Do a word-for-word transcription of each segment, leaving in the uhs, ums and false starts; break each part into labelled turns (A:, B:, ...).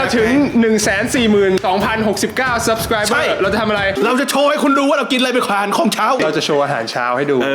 A: ถึง หนึ่งแสนสี่หมื่นสองพันหกสิบเก้า subscriber เราจะทำอะไร
B: เราจะโชว์ให้คุณดูว่าเรากินอะไรเป็นอาหารของเช้า
A: เราจะโชว์อาหารเช้าให้ดู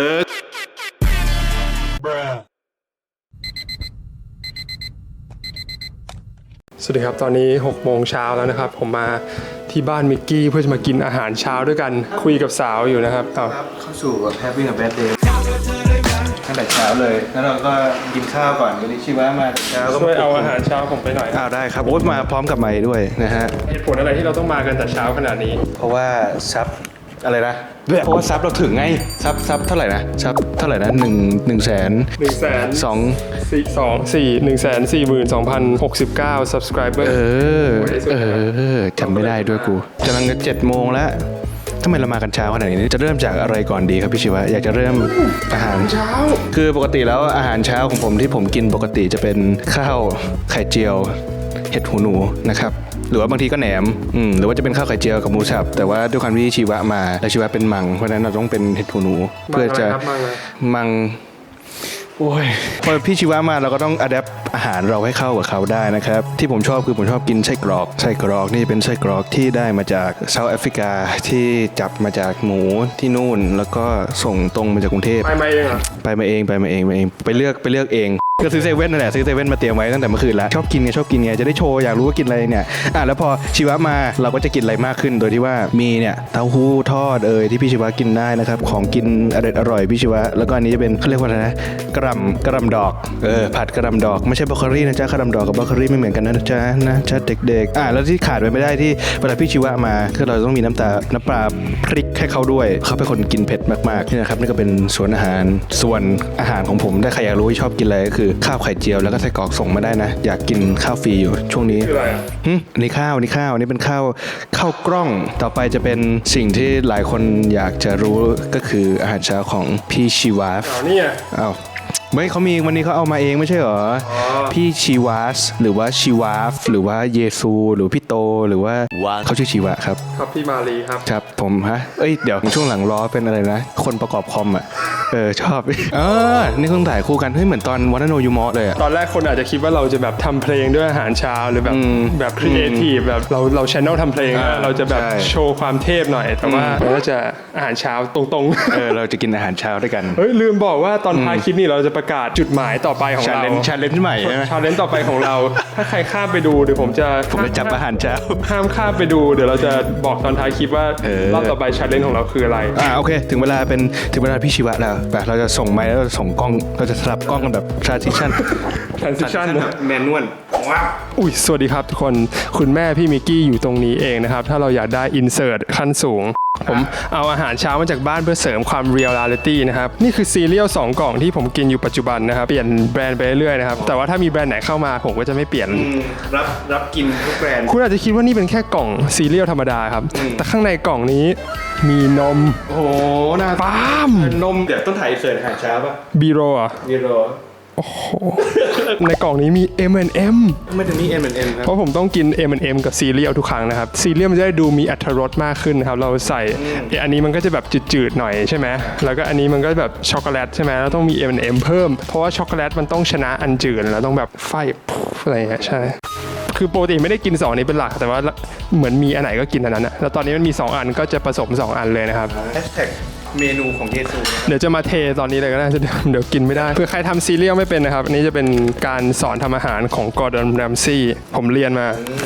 A: สวัสดีครับตอนนี้หกโมงเช้าแล้วนะครับผมมาที่บ้านมิกกี้เพื่อจะมากินอาหารเช้าด้วยกันคุยกับสาวอยู่นะครับ
B: เข้าสู่แบบ Having a bad day ตั้งแต่เช้าเลยแล้วเราก็กินข้าวก่อนวันนี้ชิวะมาเช้าก็
A: ช่วยเอาอาหารเช้าผมไปหน่อย
B: อ้าวได้ครับโอ๊ตมาพร้อมกับไมค์ด้วยนะฮะ
A: เหตุผลอะไรที่เราต้องมากันแต่เช้าขนาดนี้
B: เพราะว่าซับอะไรนะเพราะว่าซับเราถึงไงซับซับเท่าไหร่นะซับเท่าไหร่นะหนึ่งหนึ่งแสน
A: หนึ่งแสน
B: สอง
A: สี่สองสี่หนึ่งแสนสี่หมื่นสองพันหกสิบเก้า subscriber
B: เออเออจำไม่ได้ด้วยกูกำลังจะเจ็ดโมงแล้วทำไมเรามากันเช้าขนาดนี้จะเริ่มจากอะไรก่อนดีครับพี่ชิวะอยากจะเริ่มอาหาร
A: เช้า
B: คือปกติแล้วอาหารเช้าของผมที่ผมกินปกติจะเป็นข้าวไข่เจียวเห็ดหูหนูนะครับหรือว่าบางทีก็แหนมอืมหรือว่าจะเป็นข้าวไข่เจียวกับหมูสับแต่ว่าด้วยความที่ชีวะมาและชีวะเป็นมังเพราะฉะนั้นเราต้องเป็นเห็ดหูหนูเพื่อจะมังโอ้ยพอพี่ชีวะมาเราก็ต้องอัดแอปอาหารเราให้เข้ากับเขาได้นะครับที่ผมชอบคือผมชอบกินไส้กรอกไส้กรอกนี่เป็นไส้กรอกที่ได้มาจากเซาท์แอฟริกาที่จับมาจากหมูที่นู่นแล้วก็ส่งตรงมาจากกรุงเทพ
A: ไปมาเองเหรอ
B: ไปมาเองไปมาเองไปเองไปเลือกไปเลือกเองก็ซื้อเซเว่นนั่นแหละซื้อเซเว่นมาเตรียมไว้ตั้งแต่เมื่อคืนแล้วชอบกินไงชอบกินไงจะได้โชว์อยากรู้ว่ากินอะไรเนี่ยอ่ะแล้วพอชีวะมาเราก็จะกินอะไรมากขึ้นโดยที่ว่ามีเนี่ยเต้าหู้ทอดเอ่ยที่พี่ชีวะกินได้นะครับของกินอร่อยอร่อยพี่ชีวะแล้วก็อันนี้จะเป็นเขาเรียกว่าอะไรนะกระหล่ำกระหล่ำดอกเออผัดกระหล่ำดอกไม่ใช่บรอกโคลีนะจ๊ะกระหล่ำดอกกับบรอกโคลีไม่เหมือนกันนะจ๊ะนะจ๊ะเด็กๆอ่ะแล้วที่ขาดไปไม่ได้ที่เวลาพี่ชีวะมาคือเราต้องมีน้ำตาน้ำปลาพริกให้เขาด้วยเขาเป็นคนกินเผ็ดมากๆนี่นะครับนี่ก็เป็นส่วนอาหารส่วนอาหารของผมถ้าใครอยากรู้ว่าชอบกินอะไรก็คือข้าวไข่เจียวแล้วก็ไส้กรอกส่งมาได้นะอยากกินข้าวฟรีอยู่ช่วงนี้
A: คืออะไรอ่ะ
B: อันนี้ข้าวนี่ข้าวนี่เป็นข้าวข้าวกล้องต่อไปจะเป็นสิ่งที่หลายคนอยากจะรู้ก็คืออาหารเช้าของพี่ชีวาฟ
A: อ๋อนี่อ่ะ
B: อ้าวไม่เขามีวันนี้เขาเอามาเองไม่ใช่เหรอพี่ชีวาสหรือว่าชีวาฟหรือว่าเยซูหรือพี่โตหรือว่าเขาชื่อชีวะครับ
A: ครับพี่มาลีครับ
B: ครับผมฮะเอ้ยเดี๋ยวช่วงหลังล้อเป็นอะไรนะคนประกอบคอมอ่ะเออชอบเออนี่เพิ่งถ่ายคู่กันเฮ้ยเหมือนตอนวันโนยูมอสเลยอ่ะ
A: ตอนแรกคนอาจจะคิดว่าเราจะแบบทำเพลงด้วยอาหารเช้าหรือแบบแบบครีเอทีฟแบบเราเราชแนลทำเพลงเราจะแบบโชว์ความเทพหน่อยแต่ว่าเราจะอาหารเช้าตรง
B: ๆเออเราจะกินอาหารเช้าด้วยกัน
A: เฮ้ยลืมบอกว่าตอนท้ายคลิปนี้เราจะประกาศจุดหมายต่อไปของเรา
B: ชาเลนจ์ใหม่ใช่ไหม
A: ชาเลนจ์ต่อไปของเราถ้าใครข้ามไปดูเดี๋ยวผมจะ
B: ผมจะจับอาหารเช้า
A: ห้ามข้ามไปดูเดี๋ยวเราจะบอกตอนท้ายคลิปว่ารอบต่อไปชาเลนจ์ของเราคืออะไร
B: อ่าโอเคถึงเวลาเป็นถึงเวลาพี่ชีวะแล้วแบบเราจะส่งไมค์แล้วเราส่งกล้องเราจะสลับกล้องกันแบบ transition
A: transition
B: แมนนวลว้าว
A: อุ้ยสวัสดีครับทุกคนคุณแม่พี่มิกกี้อยู่ตรงนี้เองนะครับถ้าเราอยากได้ insert ขั้นสูงผมเอาอาหารเช้ามาจากบ้านเพื่อเสริมความ reality นะครับนี่คือซีเรียลสองกล่องที่ผมกินอยู่ปัจจุบันนะครับเปลี่ยนแบรนด์ไปเรื่อยๆนะครับแต่ว่าถ้ามีแบรนด์ไหนเข้ามาผมก็จะไม่เปลี่ยน
B: รับรับกินทุกแบรนด์
A: คุณอาจจะคิดว่านี่เป็นแค่กล่องซีเรียลธรรมดาครับแต่ข้างในกล่องนี้มีนม
B: โอ้โหน่า
A: ปาล์ม
B: นมเดี๋ยวต้นถ่ายเสิร์ฟอาหารเช้าป่ะ
A: บีโรอ่ะ
B: บีโร
A: โอ้โหในกล่องนี้มี เอ็ม แอนด์ เอ็ม
B: ไม่ถึงมี เอ็ม แอนด์ เอ็ม ครับ
A: เพราะผมต้องกิน เอ็ม แอนด์ เอ็ม กับซีเรียลทุกครั้งนะครับซีเรียลมันจะได้ดูมีอรรถรสมากขึ้นนะครับเราใส่อันนี้มันก็จะแบบจืดๆหน่อยใช่ไหมแล้วก็อันนี้มันก็แบบช็อกโกแลตใช่ไหมแล้วต้องมี เอ็ม แอนด์ เอ็ม เพิ่มเพราะว่าช็อกโกแลตมันต้องชนะอันจืดแล้วต้องแบบไฟอะไรอย่างเงี้ยใช่คือปกติไม่ได้กินสองนี้เป็นหลักแต่ว่าเหมือนมีอันไหนก็กินอันนั้นนะแล้วตอนนี้มันมีสองอันก็จะผสมสองอันเลยนะครับ
B: เมนูของเยซู
A: เดี๋ยวจะมาเทตอนนี้เลยก็ได้เดี๋ยวกินไม่ได้เพื่อใครทำซีเรียลไม่เป็นนะครับอันนี้จะเป็นการสอนทำอาหารของกอร์ดอน แรมซี่ผมเรียนมา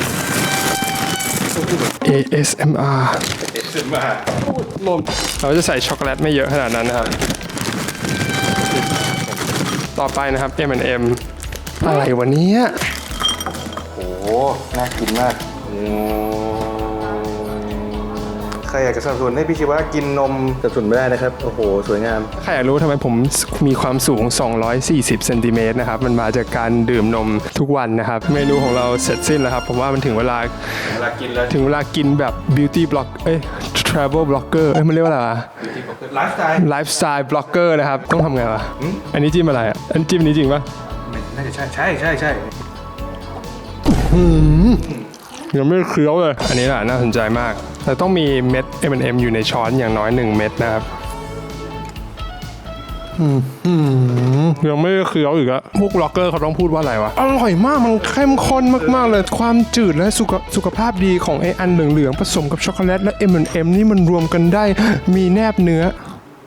A: เอ เอส เอ็ม อาร์
B: เอ เอส เอ็ม อาร์
A: เราจะใส่ช็อกโกแลตไม่เยอะขนาดนั้นนะครับต่อไปนะครับ เอ็ม แอนด์ เอ็ม อะไรวะเนี่ย
B: โอ้โหน่ากินมากใครอยากจะสนับสนุนให้พี่ชีวะกินนมสนับสนุนไม่ได้นะครับโอ้โหสวยงาม
A: ใครอยากรู้ทำไมผมมีความสูงสองร้อยสี่สิบเซนติเมตรนะครับมันมาจากการดื่มนมทุกวันนะครับเมนูของเราเสร็จสิ้นแล้วครับผมว่ามันถึงเวลา
B: เวลากินแล้ว
A: ถึงเวลากินแบบ beauty blog เอ้ย travel blogger เอ้ยมันเรียกว่าอะไรวะ
B: ไลฟ์สไตล์
A: lifestyle blogger นะครับต้องทำไงวะอันนี้จิ้มอะไรอ่ะอันจิ้มนี้จริงปะ
B: น่าจะใช่ใช่ใช่ใช่
A: ยังไม่เคี้ยวเลยอันนี้แหละน่าสนใจมากแต่ต้องมีเม็ด เอ็ม แอนด์ เอ็ม อยู่ในช้อนอย่างน้อยหนึ่งเม็ดนะครับยังไม่ได้เคี้ยวอีกอะพวกล็อกเกอร์เขาต้องพูดว่าอะไรวะ อร่อยมากมันเข้มข้นมากๆเลย ความจืดและสุขสุขภาพดีของไออันเหลืองๆผสมกับช็อกโกแลตและ เอ็ม แอนด์ เอ็ม นี่มันรวมกันได้มีแนบเนื้อ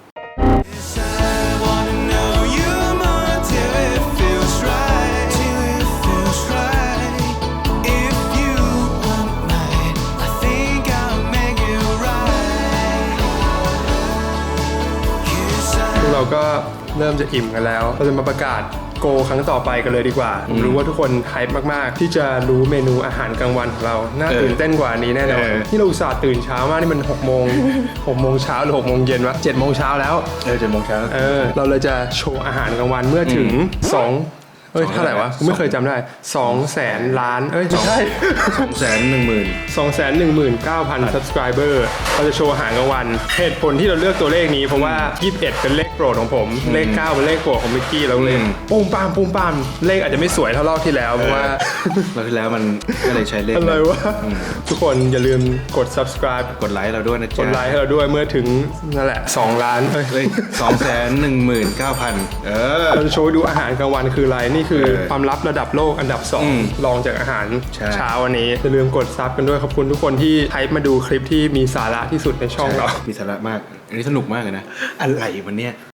A: เราก็เริ่มจะอิ่มกันแล้วเราจะมาประกาศโกครั้งต่อไปกันเลยดีกว่าผมรู้ว่าทุกคนไฮป์มากๆที่จะรู้เมนูอาหารกลางวันของเราน่าตื่นเต้นกว่านี้แน่นอนที่เราอุตส่าห์ตื่นเช้ามากนี่มันหกโมงหกโมงเช้าหรือหกโมงเย็นวะเจ็ดโมงเช้าแล้ว
B: เออเจ็ดโมงเช้า
A: เออเราเลยจะโชว์อาหารกลางวันเมื่อถึงสองเอ้ยเท่าไหร่วะกูไม่เคยจำได้สองแสนล้านเอ้ยไม่ใช่
B: สองแสนหนึ่งหมื่น
A: สองแสนหนึ่งหมื่นเก้าพัน subscriber เราจะโชว์อาหารกลางวันเหตุผลที่เราเลือกตัวเลขนี้เพราะว่ายี่สิบเอ็ดเป็นเลขโปรดของผมเลขเก้าเป็นเลขโปรดของมิกกี้เราเลยปุ้มปามปุ้มปามเลขอาจจะไม่สวยเท่ารอบที่แล้วเพราะว่า
B: รอบที่แล้วมันก็เลยใช้เลข
A: อะไรวะทุกคนอย่าลืมกด subscribe
B: กดไลค์เราด้วยนะ
A: ก
B: จ๊ะ
A: ดไลค์ให้เราด้วยเมื่อถึงนั่นแหละสองล้านเอ้ย
B: เฮ้ยสองแสนหนึ่งหมื่นเก้าพันเออ
A: เราจะโชว์ให้ดูอาหารกลางวันคืออะไรนี่คือ
B: เออ
A: ความลับระดับโลกอันดับสอง
B: อืม
A: รองจากอาหาร
B: ใช่
A: เช้าวันนี้อย่าลืมกดซับกันด้วยขอบคุณทุกคนที่ไทป์มาดูคลิปที่มีสาระที่สุดในช่องเรา
B: มีสาระมาก อันนี้สนุกมากเลยนะ อะไรวันเนี้ย